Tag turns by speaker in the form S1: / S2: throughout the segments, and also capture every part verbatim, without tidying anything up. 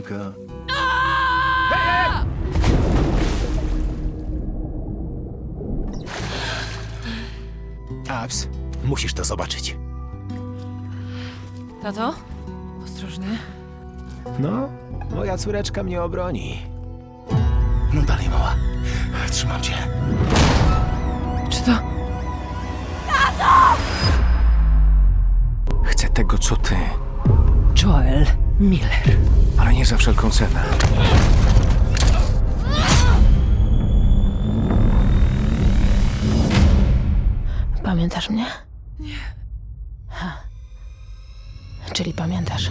S1: Bianka.
S2: Abs, musisz to zobaczyć.
S3: Tato? Ostrożnie.
S2: No, moja córeczka mnie obroni. No dalej, mała. Trzymam cię.
S3: Czy to...
S2: Chcę tego, co ty,
S3: Joel Miller.
S2: ale nie za wszelką cenę.
S4: Pamiętasz mnie? Nie. Ha. Czyli pamiętasz.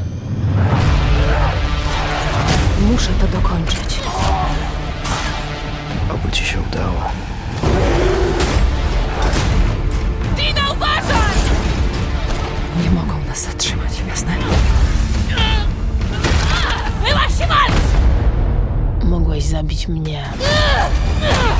S4: Muszę to dokończyć.
S2: Oby ci się udało.
S3: Dina, uważaj! Nie mogą nas zatrzymać, jasne? Byłaś się walcz!
S4: Mogłeś zabić mnie.